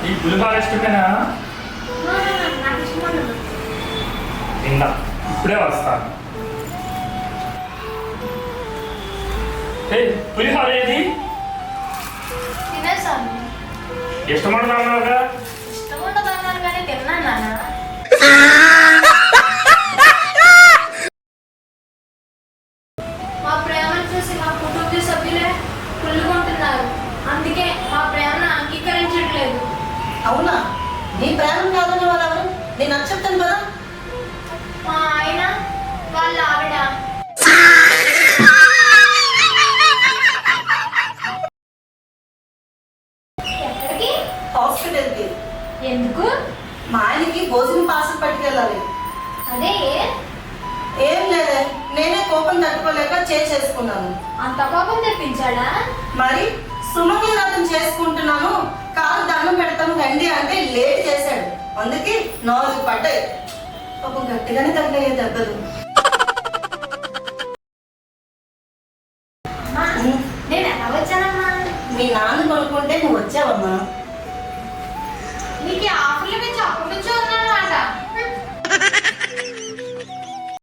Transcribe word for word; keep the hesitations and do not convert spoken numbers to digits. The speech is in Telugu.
ఈ పులిహోర ఇష్టమేనా? తిందా, ఇప్పుడే వస్తాను. ఏ పులిహోర ఏది? తినేసాను. ఇష్టమన్నావుగా? ఇష్టం ఉండదన్నాను కానీ తిన్నాను నాన్న. మా ప్రేమను చూసి మా కుటుంబ సభ్యులే కుళ్ళుకుంటున్నారు. అందుకే మా ప్రేమను అంగీకరించట్లేదు. అవునా? నీ ప్రేమ కాదని వాళ్ళు ఎవరు? నేను నచ్చప్తాను కదా. మా ఆయన వాళ్ళ ఆవిడ. ఎక్కడికి? హాస్పిటల్కి. ఎందుకు? మా ఆయనకి భోజనం పార్సల్ పట్టుకెళ్ళాలి. అదే ఏం లేదే, నేనే కోపం తట్టుకోలేక చేసేసుకున్నాను. అంత కోపం తెప్పించాడా? మరి సుమంగళి వ్రతం చేసుకుంటున్నాను, కాలు దండం పెడతాను రండి అంటే లేట్ చేశాడు. అందుకే నాలుగు పడ్డాయి. పాపం గట్టిగానే తగిలాయి దెబ్బలు. నేను ఎలా వచ్చానమ్మా? మీ నాన్న కొనుక్కుంటే నువ్వు వచ్చావమ్మా. నీకు